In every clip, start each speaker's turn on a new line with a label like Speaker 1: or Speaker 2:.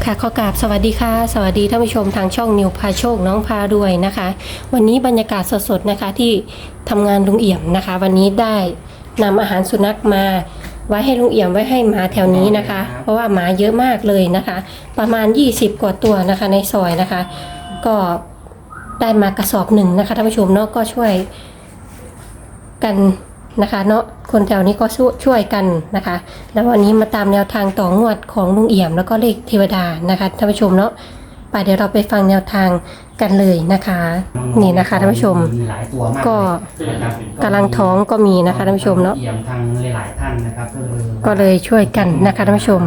Speaker 1: ค่ะขอกราบสวัสดีค่ะสวัสดีท่านผู้ชมทางช่องนิวพาโชคน้องพารวยนะคะ วันนี้บรรยากาศสดๆนะคะที่ทำงานลุงเอี่ยมนะคะ วันนี้ได้นำอาหารสุนัขมาไว้ให้ลุงเอี่ยมไว้ให้หมาแถวนี้นะคะ เพราะว่าหมาเยอะมากเลยนะคะ ประมาณ20กว่าตัวนะคะในซอยนะคะ ก็ได้มากระสอบหนึ่งนะคะท่านผู้ชมเนาะก็ช่วยกันนะคะเนาะคนแถวนี้ก็ช่วยกันนะคะ แล้ววันนี้มาตามแนวทางต่องวดของลุงเอี่ยมแล้วก็เลขเทวดานะคะท่านผู้ชมเนาะไปเดี๋ยวเราไปฟังแนวทางกันเลยนะคะนี่นะคะท่านผู้ชมก็กำลังท้องก็มีนะคะท่านผู้ชมเนาะ
Speaker 2: ทางหลายท่านนะครับ
Speaker 1: ก็เลยช่วยกันนะคะท่านผู้ชม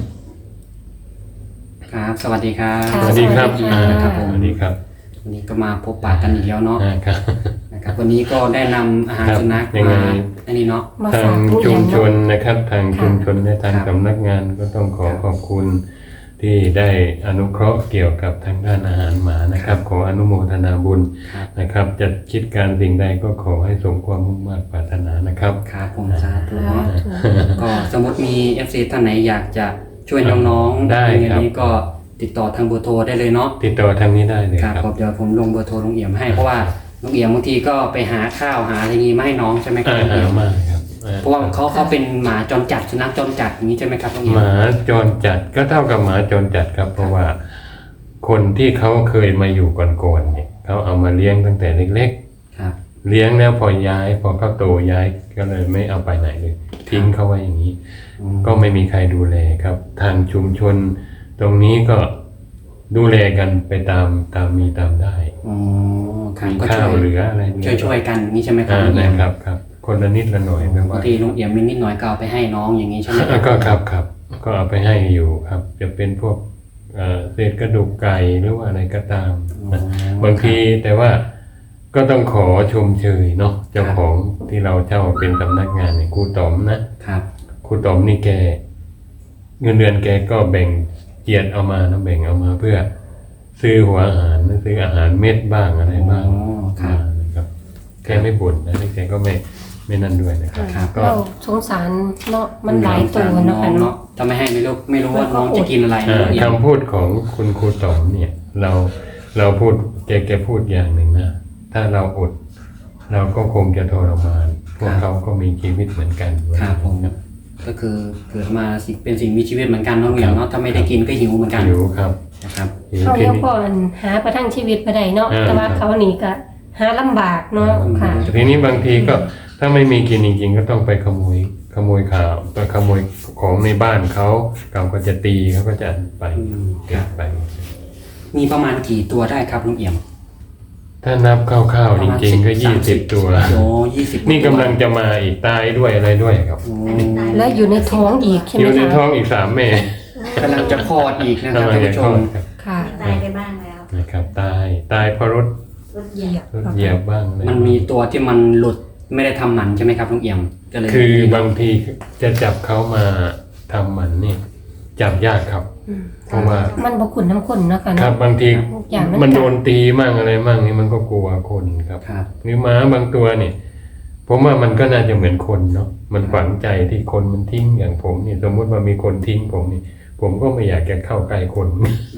Speaker 2: ครับสวัสดีครับ
Speaker 1: สวัสดีครับ
Speaker 2: ครับผม
Speaker 3: สวัสดีครับ
Speaker 2: วันนี้ก็มาพบปะกันอีกแล้วเนาะ
Speaker 3: ครับ
Speaker 2: นะครับวันนี้ก็ได้นำอาหารสุนัข
Speaker 3: ยังไง
Speaker 2: มาอันนี้เนาะ
Speaker 3: ทางชุมชนนะครับทางชุมชนและทาง
Speaker 2: ครับ
Speaker 3: สำนักงานก็ต้องขอบคุณที่ได้อนุเคราะห์เกี่ยวกับทางด้านอาหารหมานะครับขออนุโมทนาบุญ
Speaker 2: ครับ
Speaker 3: นะครับจะคิดการสิ่งใดก็ขอให้สมความมุ่งมั่นปรารถนานะครับ
Speaker 2: ครับผมสาธุเนาะก็สมมติมี FC ท่านไหนอยากจะช่วยน้องๆ
Speaker 3: ได้ครับ
Speaker 2: อย่างนี้ก็ติดต่อทางเบอร์โทรได้เลยเนาะ
Speaker 3: ติดต่อทางนี้ได้เลย
Speaker 2: ครับ
Speaker 3: ครับ
Speaker 2: ผมเดี๋ยวผมลงเบอร์โทรลุงเอี่ยมให้เพราะว่าลุงเอี่ยมบางทีก็ไปหาข้าวหาอะไรงี้มาให้น้องใช่ไหมครับลุงเอี่ยม
Speaker 3: มากครับ
Speaker 2: เพราะว่าเขาเป็นหมาจรจัดสุนัขจรจัดอย่างนี้ใช่ไหมครับลุงเอี่ย
Speaker 3: ห
Speaker 2: ม
Speaker 3: มาจรจัดก็เท่ากับหมาจรจัดครับ เพราะว่าคนที่เขาเคยมาอยู่ก่อนๆเนี่ยเขาเอามาเลี้ยงตั้งแต่เล็กๆ
Speaker 2: ครับ
Speaker 3: เลี้ยงแล้วพอเขาโตย้ายก็เลยไม่เอาไปไหนเลยทิ้งเขาไว้อย่างนี้ ก็ไม่มีใครดูแลครับ ทางชุมชนตรงนี้ก็ดูแลกันไปตามมีตามได้
Speaker 2: อ๋อครับ
Speaker 3: มี
Speaker 2: ก็
Speaker 3: ข้าวเหลืออะไร
Speaker 2: ช่วยกันนี่ใช่ไหมครับลุงเอี่ยม
Speaker 3: นะครับคนละนิดละหน่อยไม่
Speaker 2: บา
Speaker 3: ว่าง
Speaker 2: ทีลุงเอี่ยมมีนิดหน่อยก็เอาไปให้น้องอย่างนี้ใช่ไหมครับ
Speaker 3: ก็ครับก็เอาไปให้อยู่ครับ จะเป็นพวกเศษกระดูกไก่หรือว่าอะไรก็ตามนะบางทีแต่ว่าก็ต้องขอชมเชยเนาะเจ้าของที่เราเจ้าเป็นสำนักงานเนี่ยครูต๋อมนะครับ ครูต๋อมนี่แกเงินเดือนแกก็แบ่งเจียดเอามานะแบ่งเอามาเพื่อซื้อหัวอาหารซื้ออาหารเม็ดบ้างอะไรบ้าง
Speaker 2: อ๋อครับ
Speaker 3: นะครับแกไม่บ่นนะแกก็ไม่นั่นด้วยนะครับ
Speaker 2: ครับ
Speaker 3: ก็
Speaker 1: เราสงสารเนาะมันหลายตัว
Speaker 2: น้
Speaker 1: เนาะ
Speaker 2: อง
Speaker 1: ค่ะ
Speaker 2: เนาะ
Speaker 1: เนาะ
Speaker 2: ถ้าไม่ให้ไม่รู้ว่าน้องจะกินอะไรนะลุงเอี่ยม
Speaker 3: คำพูดของคุณครูต๋อมเนี่ยเราพูดแกพูดอย่างหนึ่งนะถ้าเราอดเราก็คงจะทรมานพวกเขาก็มีชีวิตเหมือนกัน
Speaker 2: ครับผมก็คือเกิดมาเป็นสิ่งมีชีวิตเหมือนกันเนาะลุงเอี่ยมเนาะถ้าไม่ได้กินก็หิวเหมือนกัน
Speaker 3: หิวครับ
Speaker 2: นะครับ
Speaker 3: หิว
Speaker 1: เขา
Speaker 3: ที
Speaker 1: เลี้ยง
Speaker 3: นี้
Speaker 1: ก่อนหาประทังชีวิตไปได้เนาะแต่ว่าเขาหนีก็หาลำบากเนาะค่ะ
Speaker 3: ทีนี้บางทีก็ถ้าไม่มีกินจริงๆก็ต้องไปขโมยข่าวไปขโมยของในบ้านเขาก็จะตีเขาก็จะไปเก็บไป
Speaker 2: มีประมาณกี่ตัวได้ครับลุงเอี่ยม
Speaker 3: ถ้านับคร่าวๆจริงๆก็20 ตัว
Speaker 2: โอ้20
Speaker 3: นี่กำลังจะมาอีกตายด้วยอะไรด้วยครับ
Speaker 2: โอ้
Speaker 1: และอยู่ในท้องอีกใช่ไห
Speaker 3: อ
Speaker 1: ม
Speaker 3: ยู่ใน
Speaker 1: คะ
Speaker 3: ท้องอีก3 แม่
Speaker 2: กำลังจะคลอดอีกนะครับ
Speaker 3: กำลั
Speaker 2: ท่าง น
Speaker 3: จะ
Speaker 2: ผู้ช
Speaker 3: คลอ
Speaker 2: ม
Speaker 3: ดครับ
Speaker 1: ค่ะ
Speaker 4: ตายไปบ้างแล้ว
Speaker 3: นะครับตายเพราะรถ
Speaker 4: รถเหยียบ
Speaker 3: เหยียบบ้างอะไร
Speaker 2: มันมีตัวที่มันหลุดไม่ได้ทำหมันใช่ไหมครับลุงเอี่ยมก็เลย
Speaker 3: คือบางทีจะจับเขามาทำหมันนี่จับยากครับ เพราะว่า
Speaker 1: มันบกุ่นน้ำข้นเนาะค่ะ
Speaker 3: ครับบางที
Speaker 1: อย่าง
Speaker 3: มันโดนตีมั่งอะไรมั่งนี่มันก็กลัวคนครับ
Speaker 2: ครับ
Speaker 3: หรือม้าบางตัวนี่ผมว่ามันก็น่าจะเหมือนคนเนาะมันฝังใจที่คนมันทิ้งอย่างผมนี่สมมติว่ามีคนทิ้งผมนี่ ผมก็ไม่อยากจะเข้าใกล้คน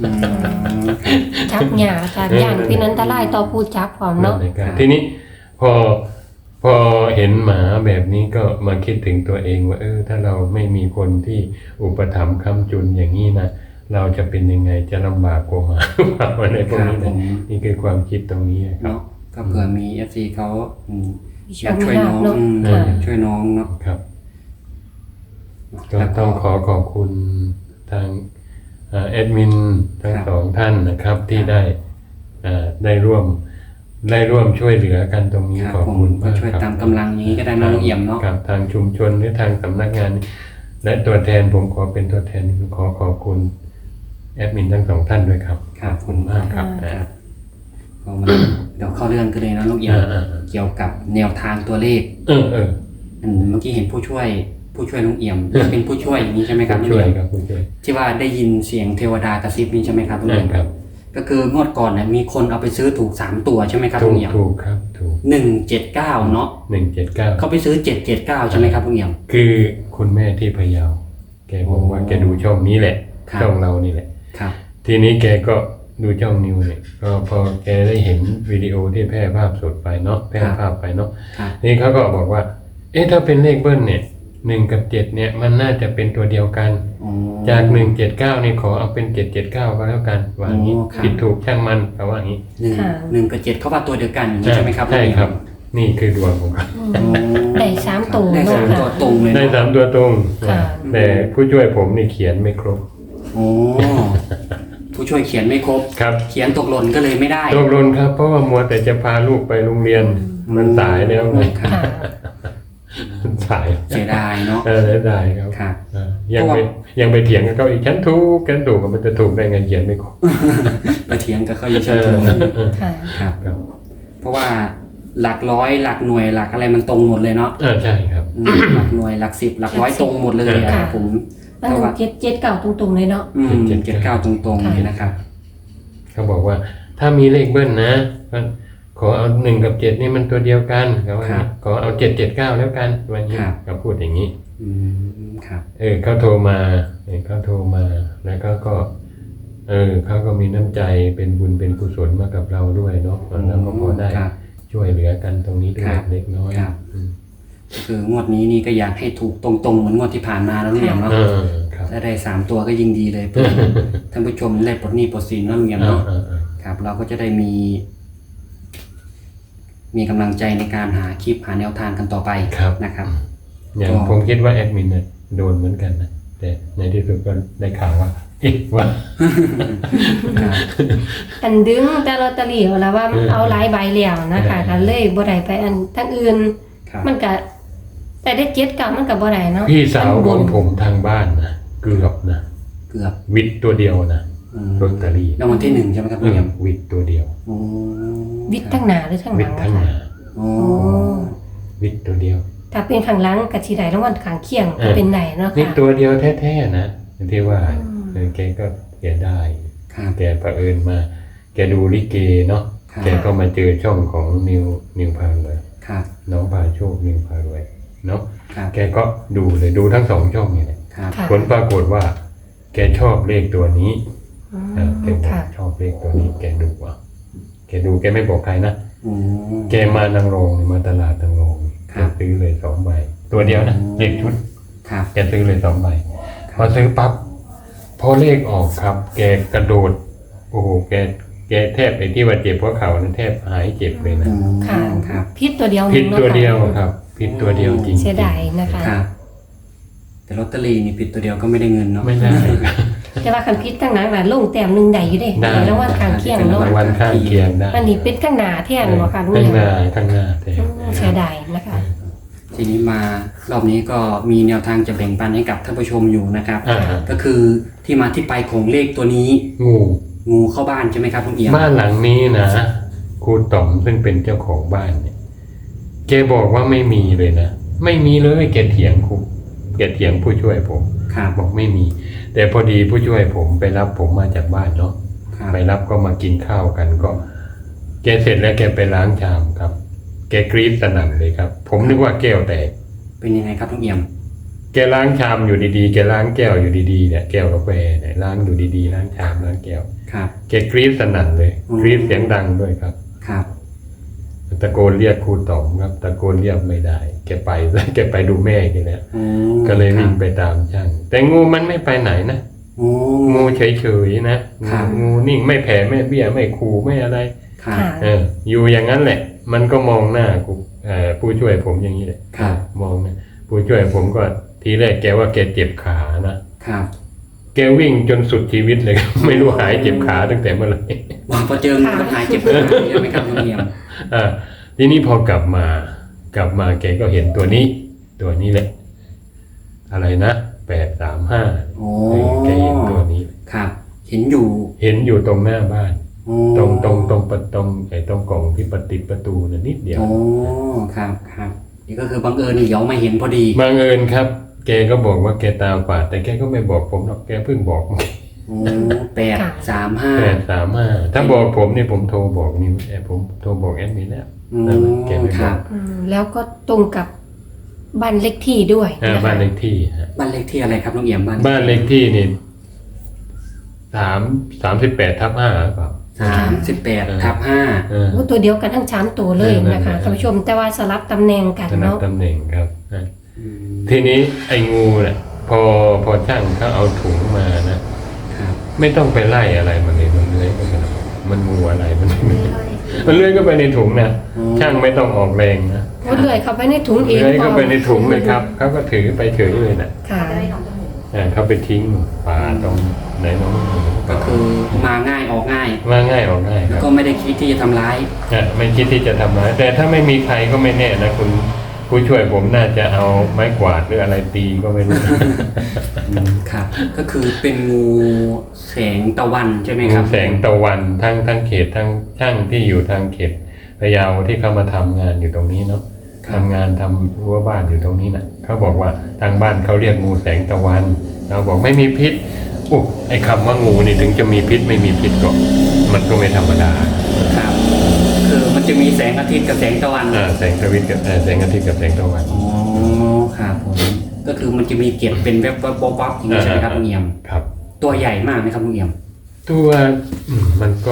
Speaker 1: จับหยาค่ะอย่างที่นั้นตะไลต่อผู้จับพร้อมเนาะ
Speaker 3: ทีนี้พอเห็นหมาแบบนี้ก็มาคิดถึงตัวเองว่าถ้าเราไม่มีคนที่อุปถัมภ์ค้ำจุนอย่างนี้นะเราจะเป็นยังไงจะลำบากกว่าหมาหรือเปล่าอะไรพวกนี้นะนี่คือความคิดตรงนี้ครับ
Speaker 2: เนาะก็เผื่อมี FC เขาอยากช่วยน้อง
Speaker 1: เนาะ
Speaker 2: อยากช่วยน้องเนาะ
Speaker 3: ครับก็ต้องขอบคุณทางแอดมินทั้งสองท่านนะครับที่ได้ร่วมช่วยเหลือกันตรงนี้
Speaker 2: ครับ
Speaker 3: ขอบ
Speaker 2: ผม
Speaker 3: คุณ
Speaker 2: ก็
Speaker 3: มาก
Speaker 2: ช่วย
Speaker 3: ครับ
Speaker 2: ตามกำลังนี้ก็ได้นะลุงเอี่ยมเนาะ
Speaker 3: กับทางชุมชนหรือทางสำนักงาน และตัวแทนผมขอเป็นตัวแทนขอบคุณแอดมินทั้งสองท่านด้วยครับ
Speaker 2: ครับ
Speaker 3: ขอบคุณมากครับ
Speaker 2: ครับก็มาเดี๋ยวเข้าเรื่องกันเลยนะลุงเอี่ยมเกี่ยวกับแนวทางตัวเลข
Speaker 3: เออ
Speaker 2: เมื่อกี้เห็นผู้ช่วยลุงเอี่ยมเป็นผู้ช่วยอย่างนี้ใช่ไหมครับลุง
Speaker 3: ช่วย
Speaker 2: เอี่ยม
Speaker 3: ครับช่วย
Speaker 2: ที่ว่าได้ยินเสียงเทวดากระซิบนี่ใช่ไหมครับลุงเอี่ยม
Speaker 3: ครับ
Speaker 2: ก็คืองวดก่อนมีคนเอาไปซื้อถูก3ตัวใช่ไหมครับลุงเอี่ยม
Speaker 3: ถูกครับถูก
Speaker 2: 179เนาะ
Speaker 3: 179
Speaker 2: เขาไปซื้อ779ใช่ไหมครับลุงเอี่ยม
Speaker 3: คือคุณแม่ที่พะเยาแกบอกว่าแกดูช่องนี้แหละ
Speaker 2: ครับ
Speaker 3: ช่องเรานี่แหละ
Speaker 2: ครับ
Speaker 3: ทีนี้แกก็ดูช่องนิวเนี่ยก็พอแกได้เห็นวิดีโอที่แพร่ภาพสดไปเนาะแพร่ภาพไปเนาะ
Speaker 2: ครับ
Speaker 3: นี่เขาก็บอกว่า เอ๊ะถ้าเป็นเลขเบิ้ลเนี่ย1 กับ 7เนี่ยมันน่าจะเป็นตัวเดียวกัน
Speaker 2: อ๋อ
Speaker 3: จาก179นี่ขอเอาเป็น779ก็แล้วกันว่าอย่างนี้
Speaker 2: โอ้ครับ
Speaker 3: ผิดถูกช่างมันเขาว่าอย่างนี้
Speaker 2: หนึ่งกับเจ็ดเขาว่าตัวเดียวกันอย่างนี้ใช่ไหมครับ
Speaker 3: ใช่ครับ นี่คือดวงของเขา
Speaker 2: อ๋อ
Speaker 1: ได้3ตัว
Speaker 2: ได้
Speaker 1: เนาะ
Speaker 2: สามตัว
Speaker 1: ค่ะ
Speaker 2: ตรงเลย
Speaker 3: ได้
Speaker 2: เนาะ
Speaker 3: 3 ตัวตรง
Speaker 1: ค่ะ
Speaker 3: แต่ผู้ช่วยผมนี่เขียนไม่ครบ
Speaker 2: โอ้ผู้ช่วยเขียนไม่ครบ
Speaker 3: ครับ
Speaker 2: เขียนตกหล่นก็เลยไม่ได้
Speaker 3: ตกหล่นครับเพราะว่ามัวแต่จะพาลูกไปโรงเรียนมันสายแล้วไง
Speaker 2: ครับ
Speaker 1: ค่ะ
Speaker 3: มันสาย
Speaker 2: เสียดายเนาะ
Speaker 3: เสียดายครับ
Speaker 2: ครับ
Speaker 3: ยังไปยังไปเถียงกับเขาอีกฉันถูกกันถูกมันจะถูกได้ไงเขียนไม่ครบ
Speaker 2: ไปเถียงกับเขาอยู่เฉย
Speaker 1: ค่ะ
Speaker 2: ๆครับ
Speaker 3: ครับ
Speaker 2: เพราะว่าหลักร้อยหลักหน่วยหลักอะไรมันตรงหมดเลยเนาะ
Speaker 3: ใช่ครับ
Speaker 2: หลักหน่วยหลัก10หลักร้อยตรงหมดเลยอะครับผม
Speaker 1: แล้ว177เก่าตรงๆเลยเนาะ
Speaker 2: 79ตรงๆเลยนะครับ
Speaker 3: เขาบอกว่าถ้ามีเลขเบิ้ลนะก็ขอเอา1 กับ 7นี่มันตัวเดียวกันเขาว่าอย่างนี้ขอเอา779แล้วกันวันนี้เขาพูดอย่างนี้
Speaker 2: ครับ
Speaker 3: เขาโทรมาเขาโทรมาแล้วก็เขาก็มีน้ำใจเป็นบุญเป็นกุศลมากับเราด้วยเนาะแล้วก็พอได้
Speaker 2: ครับ
Speaker 3: ช่วยเหลือกันตรงนี้ด้ว
Speaker 2: ค
Speaker 3: ย
Speaker 2: รับ
Speaker 3: เล็กน้อย
Speaker 2: ครับ คืองวดนี้นี่ก็อยากให้ถูกตรงๆเหมือนงวดที่ผ่านมาแล้วลุงเอี่ยมเนาะ
Speaker 3: ครับ
Speaker 2: ถ้าได้3ตัวก็ยิ่งดีเลยเพื่อท่านผู้ชมได้ปลดหนี้ปลดสินเนาะลุงเอี่ยมเนาะครับ เราก็จะได้มีกำลังใจในการหาคลิปหาแนวทางกันต่อไป
Speaker 3: ครับ
Speaker 2: นะครับ
Speaker 3: อย่างผมคิดว่าแอดมินเนี่ยโดนเหมือนกันนะแต่ในที่สุดก็ได้ข่าวว่าว่า
Speaker 2: ครับ
Speaker 1: อันดึงแต่ลอตเตอรี่เอาแล้วว่ามันเอาหลายใบแล้วนะคะก็เลยบ่ได้ไปอันทั้งอื่น
Speaker 2: ครับ
Speaker 1: มันก็แต่ได้7เก่ามันก็บ่ได้เนาะ
Speaker 3: พี่สาวของผมทางบ้านนะเกือบนะ
Speaker 2: เกือบ
Speaker 3: วิทย์ตัวเดียวนะลอตเตอรี่
Speaker 2: รางวัลที่1ใช่ไหมครับลุงเอี่ยม
Speaker 3: วิทย์ตัวเดียว
Speaker 2: โอ้
Speaker 1: วิทย์ทั้งหน้าหรือทั้งห
Speaker 3: วิ
Speaker 1: ลั
Speaker 3: ท
Speaker 1: ง
Speaker 3: ย์ทั้ง
Speaker 1: คะ
Speaker 3: นา
Speaker 2: โอ้
Speaker 1: โอ้
Speaker 3: วิทย์ตัวเดียว
Speaker 1: ถ้าเป็นข้างหลังก็สิได้รางวัลข้างเคียงก็เป็นได้เนาะ
Speaker 3: วิท
Speaker 1: ค่ะ
Speaker 3: ย์ตัวเดียวแท้ๆนะที่ว่าแกก็เสียได้
Speaker 2: ครับ
Speaker 3: แกเผอิญมา แกดูลิเกเนาะ
Speaker 2: ครับ
Speaker 3: แกก็มาเจอช่องของนิวพารวย
Speaker 2: ครับ
Speaker 3: น้องพาโชคนิวพารวยเนาะ
Speaker 2: ครับ
Speaker 3: แกก็ดูเลยดูทั้ง2ช่องนี่แหละ
Speaker 2: ครับ
Speaker 1: ค่ะ
Speaker 3: ผลปรากฏว่า แกชอบเลขตัวนี้
Speaker 1: อืม
Speaker 3: แกบอก
Speaker 1: ค่ะ
Speaker 3: ชอบเลขตัวนี้ แกดูอ่ะแกดูแกไม่บอกใครนะ
Speaker 2: โอ้
Speaker 3: แกมานางรองมาตลาดนางรอง
Speaker 2: ค
Speaker 3: แก
Speaker 2: รับ
Speaker 3: ซื้อเลย2ใบตัวเดียวนะเลขชุด
Speaker 2: ครับ
Speaker 3: แกซื้อเลย2ใบพอซื้อปั๊บพอเลขออกครับ แกกระโดดโอ้โหแกแทบไอ้ที่ว่าเจ็บหัวเข่านั้นแทบหายเจ็บเลยนะ
Speaker 1: ค่ะ
Speaker 2: ครับ
Speaker 1: พิษตัวเดียว
Speaker 3: ผิด
Speaker 1: เนาะ
Speaker 3: ตัวเดียว
Speaker 1: ค่ะ
Speaker 3: ครับผิดตัวเดียวจริงๆ
Speaker 1: เสียดายนะคะ
Speaker 2: ครับ แต่ลอตเตอรี่นี่ผิดตัวเดียวก็ไม่ได้เงินเนาะ
Speaker 3: ไม่ได้
Speaker 1: แต่ว่าคันพิษทั้งหลังน่ะลงแต้มหนึงได้อยู่เด้
Speaker 3: ได้
Speaker 1: รางวัลข้างเคียงเนาะ
Speaker 3: รางวัลข้างเคียงได้
Speaker 1: อันนี้เป็นข้างหน้าแทนบ่ค่ะลุง
Speaker 3: ข้าง
Speaker 1: เอี่ยม
Speaker 3: หน้าข้างหน้าแต่
Speaker 1: เสียดายนะคะ
Speaker 2: ทีนี้มารอบนี้ก็มีแนวทางจะแบ่งปันให้กับท่านผู้ชมอยู่นะครับ
Speaker 3: อ่า
Speaker 2: ก็คือที่มาที่ไปของเลขตัวนี้
Speaker 3: งู
Speaker 2: งูเข้าบ้านใช่ไหมครับลุงเอี่ยม
Speaker 3: บ้านหลังนี้นะครูต๋อมซึ่งเป็นเจ้าของบ้านเนี่ยแกบอกว่าไม่มีเลยนะไม่มีเลยแกเถียงครูแกเถียงผู้ช่วยผม
Speaker 2: ครับ
Speaker 3: บอกไม่มี แต่พอดีผู้ช่วยผมไปรับผมมาจากบ้านเนาะ
Speaker 2: ครับ
Speaker 3: ไปรับก็มากินข้าวกันก็ แกเสร็จแล้วแกไปล้างชามครับ แกกรี๊ดสนั่นเลยครับ ผมนึกว่าแก้วแตก
Speaker 2: เป็นยังไงครับลุงเอี่ยม
Speaker 3: แกล้างชามอยู่ดีๆแกล้างแก้วอยู่ดีๆเนี่ยแก้วกาแฟเนี่ยล้างอยู่ดีๆล้างชามล้างแก้ว
Speaker 2: ครับ
Speaker 3: แกกรี๊ดสนั่นเลยกรี๊ดเสียงดังด้วยครับ
Speaker 2: ครับ
Speaker 3: ตะโกนเรียกครูต๋อมครับตะโกนเรียกไม่ได้ แกไปแกไปดูแม่แกแล้ว
Speaker 2: โอ้
Speaker 3: ก็เลยวิ่ง
Speaker 2: ครับ
Speaker 3: ไปตามช่างแต่งูมันไม่ไปไหนนะ
Speaker 2: โอ้
Speaker 3: งูเฉยๆนะครับ งูนิ่งไม่แผ่ไม่เบี้ยไม่ขู่ไม่อะไร
Speaker 2: ครับ
Speaker 1: ค่ะ
Speaker 3: อยู่อย่างนั้นแหละ มันก็มองหน้ากูผู้ช่วยผมอย่างนี้แหละ
Speaker 2: ครับ
Speaker 3: มองนะผู้ช่วยผมก็ทีแรกแกว่าแกเจ็บขานะครับ แกวิ่งจนสุดชีวิตเลย ไม่รู้หายเจ็บขาตั้งแต่เมื่อไหร่
Speaker 2: พอเจองูมันหายเจ็บขาใช่ไหมครับลุงเอี่ยม
Speaker 3: ทีนี้พอกลับมาแกก็เห็นตัวนี้แหละ อะไรนะ835
Speaker 2: โอ้
Speaker 3: แกเห็นตัวนี้
Speaker 2: ครับ เห็นอยู่
Speaker 3: เห็นอยู่ตรงหน้าบ้าน
Speaker 2: โอ้
Speaker 3: ตรงไอ้ตรงกล่องที่ติดประตูน่ะนิดเดียว
Speaker 2: โอ้ครับครับนี่ก็คือบังเอิญนี่เดี๋ยวมาเห็นพอดี
Speaker 3: บังเอิญครับ แกก็บอกว่าแกตาฝาดแต่แกก็ไม่บอกผมหรอกแกเพิ่งบอก
Speaker 2: โอ้835
Speaker 3: 835ถ้าบอกผมเนี่ยผมโทรบอกนี่ผมโทรบอกแอดมินแล้ว แกไม่
Speaker 2: ค
Speaker 3: บ
Speaker 2: รั
Speaker 3: อบ ก
Speaker 1: แล้วก็ตรงกับบ้านเล็กที่ด้วยนะคะ
Speaker 3: บ้านเลขที่ฮะ
Speaker 2: บ้านเลขที่อะไรครับลุงเอี่ยมบ้าน
Speaker 3: บ้านเลขที่นี่ 38/5หรือเปล่า
Speaker 2: 38/5
Speaker 3: เออ
Speaker 1: โอ้ตัวเดียวกันทั้ง3ตัวเลยนะคะท่านผู้ชมแต่ว่าสลับตำแหน่งกัน
Speaker 3: สนับ
Speaker 1: เนาะ
Speaker 3: ตำแหน่งครับทีนี้ไอ้งูเนี่ยพอช่างเขาเอาถุงมานะครับ ไม่ต้องไปไล่อะไรมันเลยมันเลื้อยไปกันมันงูอะไรมันเลื้อยก็ไปในถุงนะช่างไม่ต้องออกแรงนะ
Speaker 1: โอ้เลื่อยเข้าไปในถุงเอง
Speaker 3: เลื้อยเข้าไปในถุงเลยครับเขาก็ถือไปเฉยเลยนะ
Speaker 1: ค่ะ
Speaker 3: เขาไปทิ้งป่าตรงไหนน้อง
Speaker 2: ก็คือมาง่ายออกง่าย
Speaker 3: ว่าง่ายออกง่ายค
Speaker 2: แล้ว
Speaker 3: รับ
Speaker 2: ก็ไม่ได้คิดที่จะทำร้าย
Speaker 3: ไม่คิดที่จะทำร้ายแต่ถ้าไม่มีใครก็ไม่แน่นะคุณผู้ช่วยผมน่าจะเอาไม้กวาดหรืออะไรตีก็ไม่รู้
Speaker 2: ครับ ก็คือเป็นงูแสงตะวันใช่ไหมค
Speaker 3: งู
Speaker 2: รับ
Speaker 3: แสงตะวันทั้งเขตทั้งช่างที่อยู่ทางเขตพะเยาที่เขามาทำงานอยู่ตรงนี้เนาะทำงานทำรั้วบ้านอยู่ตรงนี้นะเขาบอกว่าทางบ้านเขาเรียกงูแสงตะวันเราบอกไม่มีพิษอุ๊ไอ้คำว่างูนี่ถึงจะมีพิษไม่มีพิษก็มันก็ไม่ธรรมดา
Speaker 2: ครับ คือมันจะมีแสงอาทิตย์กับแสงตะวัน
Speaker 3: แสงอาทิตย์กับแสงอาทิตย์กับแสงตะวัน
Speaker 2: อ๋อครับผมก็คือมันจะมีเกล็ดเป็นแวบๆวับๆอย่างนี้ใช่ไหมครับลุงเอี่ยม
Speaker 3: ครับ
Speaker 2: ตัวใหญ่มากไหมครับลุงเอี่ยม
Speaker 3: ตัวมันก็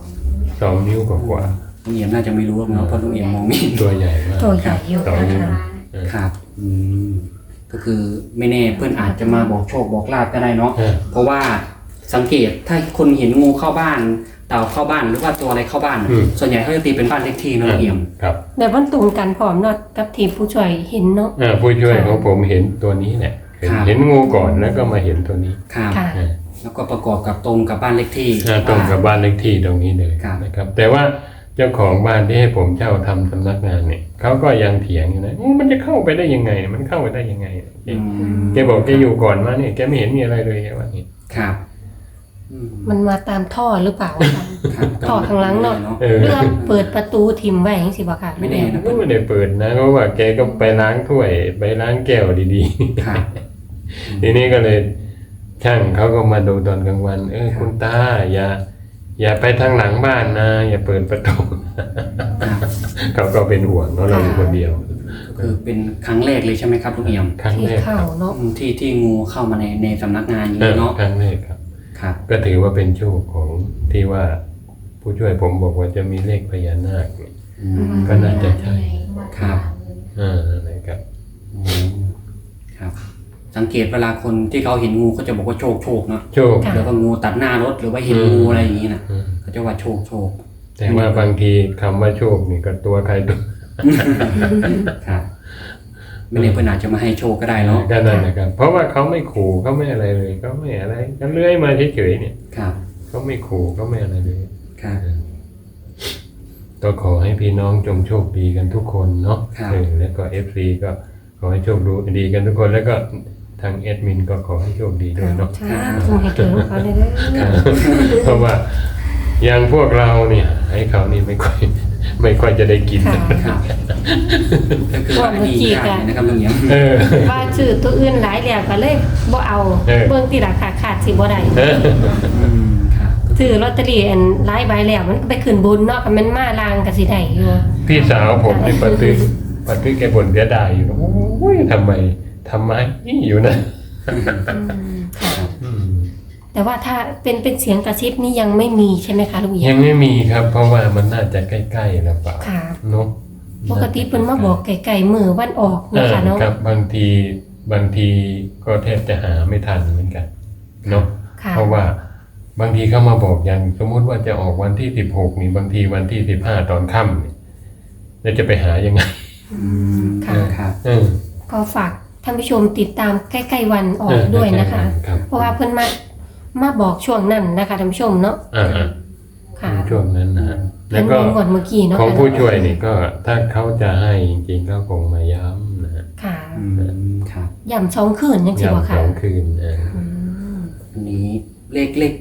Speaker 3: 2 นิ้วกว่า
Speaker 2: ลุงเอี่ยมน่าจะไม่รู้หรอกเนาะเพราะลุงเอี่ยมมองไม่เห็น
Speaker 3: ๆตัวใหญ่มาก
Speaker 1: ตัวใหญ่อยู่
Speaker 3: สอง
Speaker 1: นะ
Speaker 3: นิ้ว
Speaker 1: คะ
Speaker 2: ครับก็คือไม่แน่เพื่อนอาจจะมาบอกโชคบอกลาภก็ได้เนาะ
Speaker 3: เออ
Speaker 2: เพราะว่าสังเกตถ้าคนเห็นงูเข้าบ้าน เต่าเข้าบ้านหรือว่าตัวอะไรเข้าบ้าน ส่วนใหญ่เขาจะตีเป็นบ้านเลขที่เนอะลุงเอี่ยม
Speaker 3: ครับ
Speaker 1: แต่วันตรงกันพร้อมเนาะกับทีมผู้ช่วยเห็นเนาะ
Speaker 3: ผู้ช่วยของผมเห็นตัวนี้แหละเห็นงูก่อนแล้วก็มาเห็นตัวนี้
Speaker 2: ครับ
Speaker 1: ค่ะ
Speaker 3: เออ
Speaker 2: แล้วก็ประกอบกับตรงกับบ้านเลขที่
Speaker 3: ตรงกับบ้านเลขที่ตรงนี้เลย
Speaker 2: ครับ
Speaker 3: นะครับ แต่ว่าเจ้าของบ้านที่ให้ผมเช่าทำสำนักงานเนี่ยเขาก็ยังเถียงอยู่นะมันจะเข้าไปได้ยังไงมันเข้าไปได้ยังไง
Speaker 2: อืม
Speaker 3: แกบอกแกอยู่ก่อนมาเนี่ยแกไม่เห็นมีอะไรเลยแกว่าอย่างนี้
Speaker 2: ครับ
Speaker 1: มันมาตามท่อหรือเปล่าคะ
Speaker 2: ครับ
Speaker 1: ท่อข้างหลังเนาะ
Speaker 3: เออ
Speaker 1: เรื่องเปิดประตูทิมไว้อย่างสิบ่ค่ะ
Speaker 2: ไม่แน่นะ
Speaker 3: ก็ไม่ได้เปิดนะเพราะว่าแกก็ไปล้างถ้วยไปล้างแก้วดี
Speaker 2: ครับ
Speaker 3: ๆ ทีนี้ก็เลยช่างเขาก็มาดูตอนกลางวัน คุณตาอย่าไปทางหลังบ้านนะ อย่าเปิดประตู
Speaker 2: ครับ
Speaker 3: เขาก็เป็นห่วงเนาะเราอยู่คนเดียว
Speaker 2: คือเป็นครั้งแรกเลยใช่ไหมครับลุงเอี่ยม
Speaker 3: ครั้ง
Speaker 1: ที่
Speaker 3: แรกค
Speaker 1: เข้า
Speaker 3: รับ
Speaker 1: เนาะ
Speaker 2: ที่งูเข้ามาในสำนักงานอย่างนี้เนาะ
Speaker 3: ครั้งแรกครับ
Speaker 2: ครับ
Speaker 3: ก็ถือว่าเป็นโชคของที่ว่า ผู้ช่วยผมบอกว่าจะมีเลขพญานาคเนี่ย
Speaker 2: อืม
Speaker 3: ก็น่าจะใช่
Speaker 2: ครับ
Speaker 3: อะไรครับ
Speaker 2: อืมครับ สังเกตเวลาคนที่เขาเห็นงูเขาจะบอกว่าโชคเนาะ
Speaker 3: โชค
Speaker 2: แล้วก็งูตัดหน้ารถหรือว่าเห็นงูอะไรอย่างนี้นะ
Speaker 3: อืม
Speaker 2: เขาจะว่าโชค
Speaker 3: แต่ว่าบางทีคำว่าโชคนี่ก็ตัวใครตัว
Speaker 2: ครับ ไม่แน่เพื่อนอาจจะมาให้โชคก็ได้เนาะ
Speaker 3: ก็นั่นนะครับ เพราะว่าเขาไม่ขู่เขาไม่อะไรเลยเขาไม่อะไรเขาเลื้อยมาเฉยๆเนี่ย
Speaker 2: ครับ
Speaker 3: เขาไม่ขู่เขาไม่อะไรเลย
Speaker 2: ครับ
Speaker 3: ก็ขอให้พี่น้องจงโชคดีกันทุกคนเนาะ
Speaker 2: ครับ
Speaker 3: แล้วก็ FC ก็ขอให้โชคดีกันทุกคนแล้วก็ทางแอดมินก็ขอให้โชคดีด้วยเนาะ
Speaker 1: ใช่คงให้ถึงเขาเลยเด้อ
Speaker 3: เพราะว่าอย่างพวกเราเนี่ยให้เขานี่ไม่ค่อยจะได้กิน
Speaker 1: ค่ะ
Speaker 2: ครับก็คือว่าดีอย่างนะครับลุงเอี่ยม
Speaker 3: เออ
Speaker 1: ว่าชื่อตัวอื่นหลายแล้วก็เลยบ่เอา
Speaker 3: เออ
Speaker 1: เบิ่งที่ราคาขาดสิบ่ได้
Speaker 2: ครับ
Speaker 1: ซื้อลอตเตอรี่อันหลายใบแล้วมันก็ไปขึ้นบนเนาะก็มันมาลางก็สิได้อยู่
Speaker 3: พี่สาวผมนี่ปฏิแกบ่นเสียดายอยู่นะโอ้ยทำไมอยู่นะ
Speaker 1: ค่ะ
Speaker 3: อืม
Speaker 1: แต่ว่าถ้าเป็นเสียงกระซิบนี่ยังไม่มีใช่ไหมคะลุงเอี่ย
Speaker 3: ยั
Speaker 1: ม
Speaker 3: งไม่มีครับ เพราะว่ามันน่าจะใกล้ๆแล้วเปล่า
Speaker 1: ค่ะ
Speaker 3: เนาะ
Speaker 1: ปกติเพิ่นมาบอกไก่มือวันออกนะคะเนาะ
Speaker 3: ครับบางทีก็แทบจะหาไม่ทันเหมือนกันเนาะ
Speaker 1: ค่ะ
Speaker 3: เพราะว่าบางทีเขามาบอกอย่างสมมุติว่าจะออกวันที่16นี่บางทีวันที่15ตอนค่ำนี่แล้วจะไปหายังไง
Speaker 1: ค่ะ
Speaker 2: ครับ
Speaker 1: ก็ฝากท่านผู้ชมติดตามใกล้ๆวันออกด้วยนะคะ
Speaker 3: ครับ
Speaker 1: เพราะว่าเพิ่นมาบอกช่วงนั้นนะคะท่านผู้ชมเนาะ
Speaker 3: อ่า
Speaker 1: ค่ะ
Speaker 3: ช่วงนั้นนะฮะ
Speaker 1: เพิ่
Speaker 3: แล้ว
Speaker 1: น
Speaker 3: ก็
Speaker 1: งวดเมื่อกี้เนาะ
Speaker 3: ของผู้ช่วยนี่ก็ถ้าเขาจะให้จริงๆก็คงมาย้ำนะฮะ
Speaker 1: ค่ะ
Speaker 2: ครับ
Speaker 1: ย่ำ2คืนจังซี่บ่
Speaker 3: ย้ำ
Speaker 1: ค่ะ
Speaker 3: 2 คืน
Speaker 1: อืม
Speaker 2: อันนี้เลข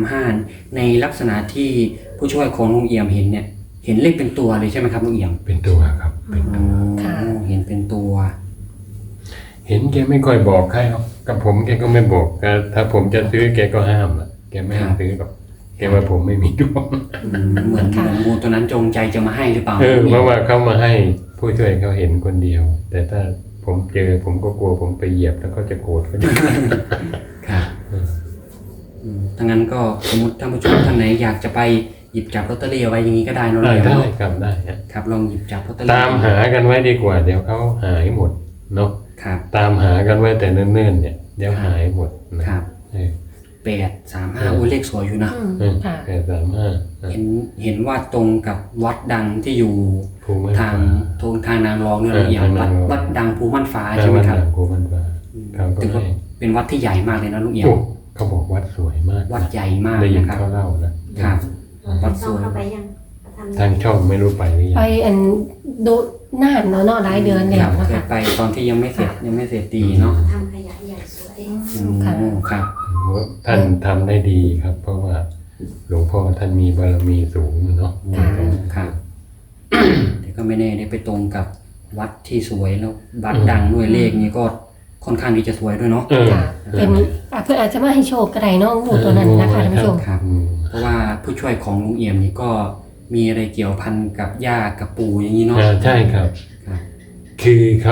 Speaker 2: 835ในลักษณะที่ผู้ช่วยของลุงเอี่ยมเห็นเนี่ย เห็นเลขเป็นตัวเลยใช่ไหมครับลุงเอี่ยม
Speaker 3: เป็นตัวครับเป็นตัว
Speaker 1: ค่ะ
Speaker 2: เห็นเป็นตัว
Speaker 3: เห็นแกไม่ค่อยบอกใครหรอกกับผมแกก็ไม่บอกถ้าผมจะซื้อแกก็ห้ามอ่ะแกไม่ให้ซื้อหรอกแกว่าผมไม่มีดวง
Speaker 2: เหมือนงูตัวนั้นจงใจจะมาให้หรือเปล่า
Speaker 3: เพราะว่าเขามาให้ผู้ช่วยเขาเห็นคนเดียว แต่ถ้าผมเจอผมก็กลัวผมไปเหยียบแล้วเขาจะโกรธเขาจะ
Speaker 2: ครับถ้างั้นก็สมมติท่านผู้ชมท่านไหนอยากจะไปหยิบจับลอตเตอรี่เอาไว้อย่างนี้ก็ได้เนอะ
Speaker 3: ได้
Speaker 2: ลุงเอี่ยม
Speaker 3: ได้
Speaker 2: เนาะ
Speaker 3: ครับได้ฮะ
Speaker 2: ครับลองหยิบจับลอตเตอรี่
Speaker 3: ตามหากันไว้ดีกว่า เดี๋ยวเขาหายหมดเนาะ
Speaker 2: ครับ
Speaker 3: ตามหากันไว้แต่เนิ่นๆเนี่ยเดี๋ยวหายหมดนะครับ
Speaker 2: 835โอ้ยเลขสวยอยู่นะ
Speaker 1: ค่ะ
Speaker 3: 835
Speaker 2: เห็นว่าตรงกับวัดดังที่อยู่
Speaker 3: ภูมิ
Speaker 2: ทางนางรองเนี่ยลุงเอี่ยม
Speaker 3: ทางนางรอง
Speaker 2: วัดดังภูมั่นฟ้าใช่ไหมครับ
Speaker 3: ภูมิฟ้าเขาก็
Speaker 2: ถือว่า
Speaker 3: ให้
Speaker 2: เป็นวัดที่ใหญ่มากเลยนะลุงเอี่ยม
Speaker 3: โอ้เขาบอกวัดสวยมาก
Speaker 2: วัดใหญ่มาก
Speaker 3: ได้ยิน
Speaker 2: นะครับ
Speaker 3: เขาเล่านะครับ
Speaker 2: วัดสวย
Speaker 4: เข้าไปยังทำ
Speaker 3: ทางช่องไม่รู้ไปหรือยั
Speaker 1: ไป
Speaker 3: ง
Speaker 1: อันดูนานเนาะหลายเดือนแล้
Speaker 2: คว รับ
Speaker 1: นะ
Speaker 2: เคย
Speaker 1: คะ
Speaker 2: ไปตอนที่ยังไม่เสร็จดีเนาะ
Speaker 4: ทำขยะใหญ่สวย
Speaker 1: ค่ะ
Speaker 2: ครับ
Speaker 3: ท่านทำได้ดีครับ เพราะว่าหลวงพ่อท่านมีบารมีสูงเนาะ
Speaker 1: ค่ะ
Speaker 2: ครับแต่ก็ไม่แน่ได้ไปตรงกับวัดที่สวยแล้ววัดดังด้วยเลขนี้ก็ค่อนข้างที่จะสวยด้วยเนาะ
Speaker 1: ค่ะเป็นเพื่อนอาจจะมาให้โชคก็ได้เนาะงูตัวนั้นนะคะท่านผู้ชม
Speaker 2: ครับ เพราะว่าผู้ช่วยของลุงเอี่ยมนี่ก็มีอะไรเกี่ยวพันกับย่ากับปู่อย่างนี้เนาะ
Speaker 3: ใช่ครับ
Speaker 2: ครับ
Speaker 3: คือเขา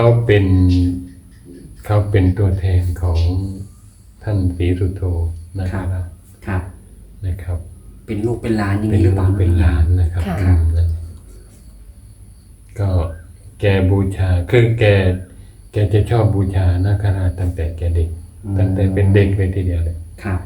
Speaker 3: เป็นตัวแทนของท่านศรีสุโธนะครับ
Speaker 2: ครับ
Speaker 3: นะครับ
Speaker 2: เป็นลูกเป็นหลานอย่าง
Speaker 3: เป็น
Speaker 2: นี้ห
Speaker 3: ลู
Speaker 2: รือก เปล่า
Speaker 3: เป็นหลานนะครับ
Speaker 1: ค่ะ
Speaker 3: นั่นก็แกบูชาคือแกจะชอบบูชานาคราชตั้งแต่แกเด็ก ตั้งแต่เป็นเด็กเลยทีเดียวเลย
Speaker 2: ครับ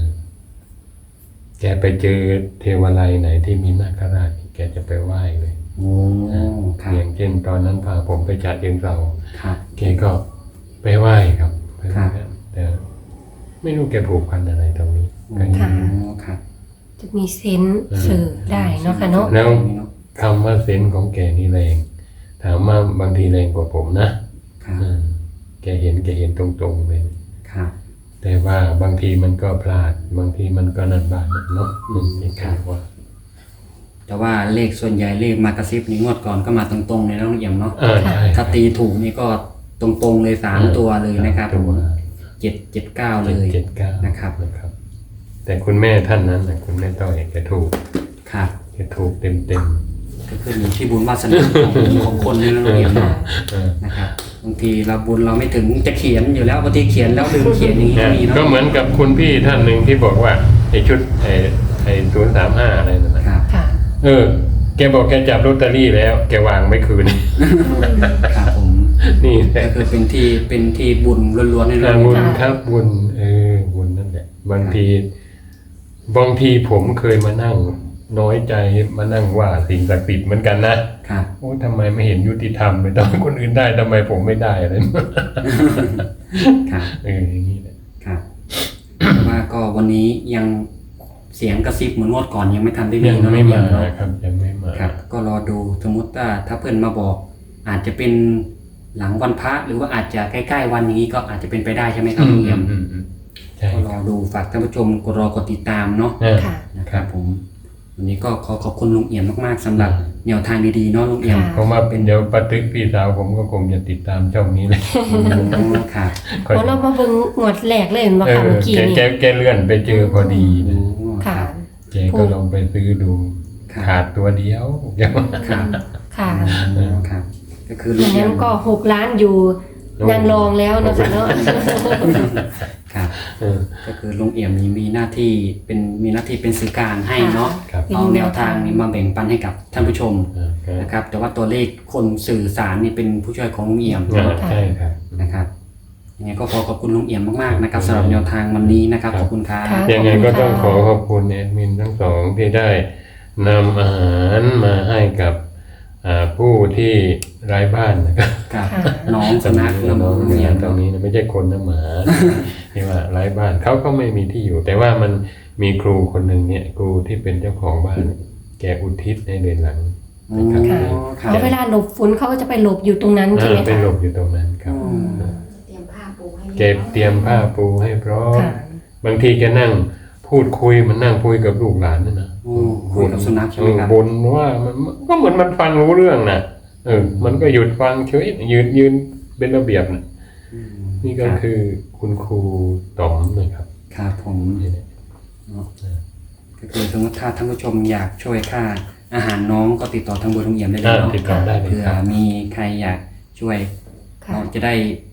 Speaker 3: แกไปเจอเทวาลัยไหนที่มีนาคราชแกจะไปไหว้เลย
Speaker 2: โอ้ครับ
Speaker 3: อย่างเช่นตอนนั้นพาผมไปจัดเองเรา
Speaker 2: ครับ
Speaker 3: แกก็ไปไหว้ครับไปไหว้
Speaker 2: ครับ
Speaker 3: แต่ไม่รู้แกผูกพันอะไรตรงนี้ก็
Speaker 1: ค่ะ
Speaker 2: ครับ
Speaker 1: จะมีเซนส์สื่อได้เนาะค่ะเนาะ
Speaker 3: แล้วคำว่าเซนส์ของแกนี่แรง ถามว่าบางทีแรงกว่าผมนะครับ แกเห็นตรงๆเลย
Speaker 2: ครับ
Speaker 3: แต่ว่าบางทีมันก็พลาด บางทีมันก็นันบานเนาะนี่คือว่า
Speaker 2: แต่ว่าเลขส่วนใหญ่เลขมากระซิบนี่งวดก่อนก็มาตรงๆเลยนะลุงเอี่ยมเนาะ
Speaker 3: ใช่
Speaker 2: ถ้าตีถูกนี่ก็ตรงๆเลย3ตัวเลยนะครับ
Speaker 3: ตัว
Speaker 2: 779เลย
Speaker 3: 779
Speaker 2: นะครับ
Speaker 3: นะครับ แต่คุณแม่ท่านนั้นนะคุณแม่ต้อยแกถูก
Speaker 2: ครับ
Speaker 3: แกถูกเต็ม
Speaker 2: ก็คืออยู่ที่บุญวาสนาของคนนี่นะลุงเอี่ยมเนาะ
Speaker 3: ๆ
Speaker 2: นะครับบางทีเราบุญเราไม่ถึงจะเขียนอยู่แล้วบางทีเขียนแล้วลืมเขียนอย่างนี้ก็มีเนาะ
Speaker 3: ก็เหมือนกับคุณพี่ท่านหนึ่งที่บอกว่าไอ้ชุดไอ้035อะไรนั่นนะครับ
Speaker 1: ค่ะ
Speaker 3: แกบอกแกจับลอตเตอรี่แล้ว แกวางไม่คืน
Speaker 2: ครับผม
Speaker 3: นี่แหละ
Speaker 2: ก็คือเป็นที่บุญล้วนๆนี่นะ
Speaker 3: บุญครับบุญบุญนั่นแหละบางทีผมเคยมานั่งน้อยใจมานั่งว่าสิ่งศักดิ์สิทธิ์เหมือนกันนะครับ โอ้ทำไมไม่เห็นยุติธรรมเลยทำไมคนอื่นได้ทำไมผมไม่ได้อะไร
Speaker 2: ครับ
Speaker 3: อย่างนี้แหละ
Speaker 2: ครับแต่ว่าก็วันนี้ยังเสียงกระซิบเหมือนงวดก่อนยังไม่ทันได้มี
Speaker 3: ยัง
Speaker 2: เนาะ
Speaker 3: ไม่มา
Speaker 2: เนาะ
Speaker 3: ครับยังไม่มา
Speaker 2: ครับ ก็รอดูสมมติถ้าเพื่อนมาบอก อาจจะเป็นหลังวันพระหรือว่าอาจจะใกล้ๆวันอย่างนี้ก็อาจจะเป็นไปได้ใช่ไหมครับลุงเอี่ยม
Speaker 3: ใช่
Speaker 2: ก็รอดูฝากท่านผู้ชมกดติดตามเนาะ
Speaker 1: ค่ะ
Speaker 2: นะครับผมวันนี้ก็ขอบคุณลุงเอี่ยมมากๆสำหรับแนวทางดีๆเนาะลุงเอี่ยม
Speaker 1: ค่ะ
Speaker 3: เพราะว่าเป็นเดี๋ยวปาตึกพี่สาวผมก็คงจะติดตามช่องนี้เลย
Speaker 2: ครับ
Speaker 1: เพราะเรามาเบิ่งงวดแรกเลยมาค่ะเมื่อกี้นี่
Speaker 3: แกเลื่อนไปเจอพอดีนะ
Speaker 1: ค่ะ
Speaker 3: แกก็ลองไปซื้อดู ขาดตัวเดียว
Speaker 2: ครับ
Speaker 1: ค่ะ
Speaker 2: ครับ ก็คือ
Speaker 1: อ
Speaker 2: ลุง
Speaker 1: ย่าง
Speaker 2: เอี่ย
Speaker 1: นั้
Speaker 2: ม
Speaker 1: นก็6 ล้านอยู่นางรองแล้วนะคะเนาะ
Speaker 2: ครับ ก็คือลุงเอี่ยมมีหน้าที่เป็นสื่อกลางให้เนาะ
Speaker 3: ครับ
Speaker 2: เอาแนวทางนี้มาแบ่งปันให้กับท่านผู้ชมนะครับ แต่ว่าตัวเลขคนสื่อสารนี่เป็นผู้ช่วยของลุงเอี่ยม
Speaker 3: ใช่ครับ
Speaker 2: นะครับยังไงก็ขอบคุณลุงเอี่ยมมากๆนะครับสำหรับแนวทางวันนี้นะครับขอบคุณครับ
Speaker 1: ค่ะ
Speaker 3: ยังไงก็ต้องขอบคุณแอดมินทั้งสองที่ได้นำอาหารมาให้กับผู้ที่ไร้บ้านนะครับ
Speaker 2: ครับ
Speaker 1: ค่ะ
Speaker 2: น้องสนัข
Speaker 3: น้
Speaker 2: น้
Speaker 3: อ
Speaker 2: อง ง
Speaker 3: เนี่
Speaker 2: เอี่
Speaker 3: ย
Speaker 2: ยม
Speaker 3: ตรงนี้นะไม่ใช่คนนะหมา ที่ว่าไร้บ้านเขาก็ไม่มีที่อยู่ แต่ว่ามันมีครูคนหนึ่งเนี่ยครูที่เป็นเจ้าของบ้าน แกอุทิศในเดือนหลัง
Speaker 2: อ๋อ
Speaker 1: ค่ะ
Speaker 2: ครับ
Speaker 1: แล้วเวลาหลบฝนเขาก็จะไปหลบอยู่ตรงนั้นใช่ไหม
Speaker 3: ไป
Speaker 1: คะ
Speaker 3: หลบอยู่ตรงนั้นครับ
Speaker 4: เตรียมผ้าปูให้
Speaker 3: แกเตรียมผ้าปูให้พร้อม
Speaker 1: ค่ะ
Speaker 3: บางทีแกนั่งพูดคุยมันนั่งคุยกับลูกหลานนั่นนะ
Speaker 2: โอ้คุยกับสุนัขใช่ไหมครับ
Speaker 3: บ่นว่ามันก็เหมือนมันฟังรู้เรื่องนะมันก็หยุดฟังเฉยยืนเป็นระเบียบนะนี่ก็คือคุณครูต๋อมนะครับ
Speaker 2: ครับผม
Speaker 3: นี่แหละ
Speaker 2: ก็คือสมมติถ้าท่านผู้ชมอยากช่วยค่าอาหารน้องก็ติดต่อทางเบอร์ลุงเอี่ยมได้เลยเนาะ
Speaker 3: ติดต่อได้เลย
Speaker 2: เผื่อ
Speaker 3: ครับ
Speaker 2: มีใครอยากช่วย
Speaker 1: ค่ะ
Speaker 2: เราจะได้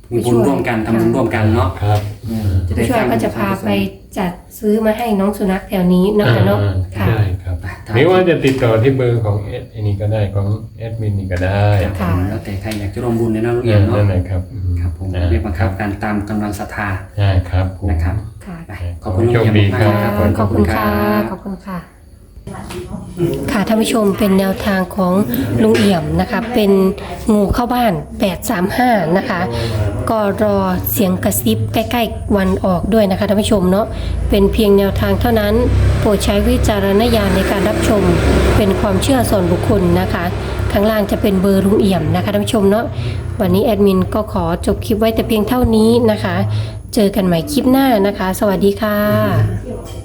Speaker 2: มีบุญร่วมกันทำบุญร่วมกันเนาะ
Speaker 3: ครับ
Speaker 2: จะได้
Speaker 1: ผู้ช่
Speaker 2: ส
Speaker 1: วย
Speaker 2: ร้าง
Speaker 1: ก็จะพาไปจัดซื้อมาให้น้องสุนัขแถวนี้เนาะค่ะเนาะค่ะ
Speaker 3: ใช่ครับหรือว่าจะติดต่อที่เบอร์ของอันนี้ก็ได้ของแอดมินนี่ก็ได้
Speaker 2: ครับ
Speaker 1: ค่ะ
Speaker 2: แล้วแต่ใครอยากจะร่วมบุญในน้องลุงเอี่ยมเนาะ
Speaker 3: นั่นแหละครับ
Speaker 2: ครับผม
Speaker 3: นะ
Speaker 2: ไม่บังคับการตามกำลังศรัทธา
Speaker 3: ใช่ครับผม
Speaker 2: นะครับ
Speaker 1: ค่ะ
Speaker 2: ไปขอบคุณลุง
Speaker 3: โชค
Speaker 2: เอี่ยม
Speaker 3: ดี
Speaker 2: มาก
Speaker 3: ครับ
Speaker 2: ๆครับ
Speaker 1: ขอบคุณค่ะขอบคุณค่ะ ค่ะท่านผู้ชมเป็นแนวทางของลุงเอี่ยมนะคะเป็นงูเข้าบ้าน 835 นะคะก็รอเสียงกระซิบใกล้ๆวันออกด้วยนะคะท่านผู้ชมเนาะเป็นเพียงแนวทางเท่านั้นโปรดใช้วิจารณญาณในการรับชมเป็นความเชื่อส่วนบุคคลนะคะข้างล่างจะเป็นเบอร์ลุงเอี่ยมนะคะท่านผู้ชมเนาะวันนี้แอดมินก็ขอจบคลิปไว้แต่เพียงเท่านี้นะคะ เจอกันใหม่คลิปหน้านะคะ สวัสดีค่ะ